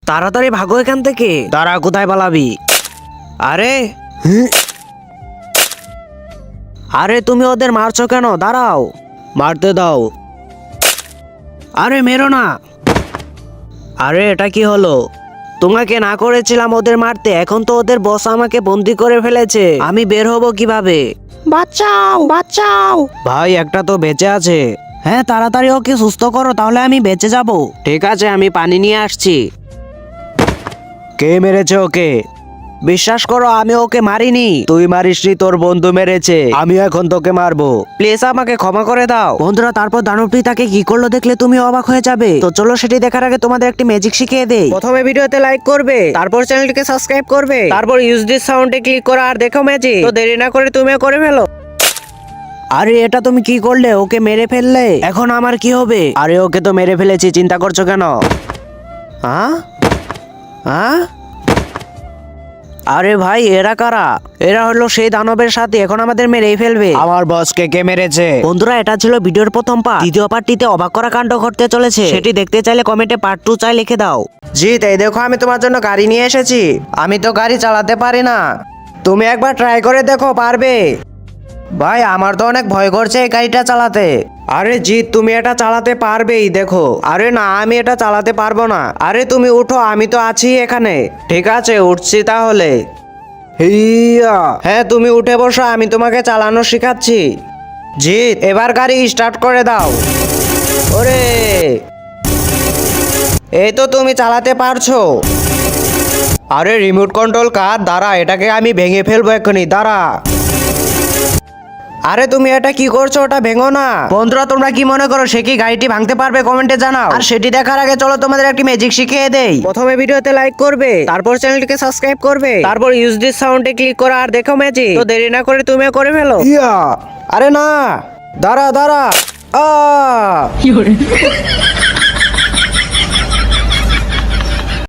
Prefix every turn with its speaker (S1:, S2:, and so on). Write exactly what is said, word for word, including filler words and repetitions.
S1: তাড়াতাড়ি ভাগো এখান থেকে। দাঁড়া, কোথায় পালাবি? আরে আরে তুমি ওদের মারছো কেন? দাঁড়াও, মারতে দাও। আরে মেরো না। আরে এটা কি হলো? তোমাকে না করেছিলাম ওদের মারতে, এখন তো ওদের বস আমাকে বন্দি করে ফেলেছে। আমি বের হব কিভাবে? বাঁচাও, বাঁচাও। ভাই একটা তো বেঁচে আছে। হ্যাঁ তাড়াতাড়ি ওকে সুস্থ করো, তাহলে আমি বেঁচে যাব। ঠিক আছে, আমি পানি নিয়ে আসছি। কে মেরেছে ওকে? বিশ্বাস করো আমি ওকে মারিনি। তুই মারিসনি, তোর বন্ধু মেরেছে। আমি এখন তোকে মারবো। প্লিজ আমাকে ক্ষমা করে দাও। বন্ধুরা, তারপর দানবটি তাকে কি করলো দেখলে তুমি অবাক হয়ে যাবে। তো চলো সেটি দেখার আগে তোমাদের একটি ম্যাজিক শিখিয়ে দেই। প্রথমে ভিডিওতে লাইক করবে, তারপর চ্যানেলটিকে সাবস্ক্রাইব করবে, তারপর ইউজ দিস সাউন্ডে ক্লিক করো আর দেখো ম্যাজিক। তো দেরি না করে তুমিও করে ফেলো। আরে এটা তুমি কি করলে? ওকে মেরে ফেললে, এখন আমার কি হবে? আরে ওকে তো মেরে ফেলেছি, চিন্তা করছো কেন? হ্যাঁ হ্যাঁ আরে ভাই এরা কারা? এরা হলো সেই দানবের সাথে, এখন আমাদের মেরেই ফেলবে। আমার বসকে কে মেরেছে? বন্ধুরা, এটা ছিল ভিডিওর প্রথম পার্ট। দ্বিতীয় পার্টটিতে অবাক করা কাণ্ড ঘটতে চলেছে। সেটি দেখতে চাইলে কমেন্টে পার্ট টু চাই লিখে দাও। জি তাই দেখো, আমি তোমার জন্য গাড়ি নিয়ে এসেছি। আমি তো গাড়ি চালাতে পারি না, তুমি একবার ট্রাই করে দেখো, পারবে? ভাই আমার তো অনেক ভয় করছে এই গাড়িটা চালাতে। আরে জিৎ, তুমি এটা চালাতে পারবেই, দেখো। আরে না, আমি এটা চালাতে পারবো না। আরে তুমি উঠো, আমি তো আছি এখানে। ঠিক আছে, উঠছি তাহলে। হিয়া হ্যাঁ, তুমি উঠে বসো, আমি তোমাকে চালানো শেখাচ্ছি। জিৎ এবার গাড়ি স্টার্ট করে দাও। ওরে, এই তো তুমি চালাতে পারছো। আরে রিমোট কন্ট্রোল কার? দাঁড়া, এটাকে আমি ভেঙে ফেলবো এক্ষুনি, দাঁড়া। আরে তুমি এটা কি করছো? ওটা ভেঙো না। বন্ধুরা, তোমরা কি মনে করো সে কি গাড়িটি ভাঙতে পারবে? কমেন্টে জানাও। আর সেটি দেখার আগে চলো তোমাদের একটি ম্যাজিক শিখিয়ে দেই। প্রথমে ভিডিওতে লাইক করবে, তারপর চ্যানেলটিকে সাবস্ক্রাইব করবে, তারপর ইউজ দিস সাউন্ডে ক্লিক করো আর দেখো ম্যাজিক। তো দেরি না করে তুমিও করে ফেলো। ইয়া আরে না, দাঁড়া দাঁড়া। আ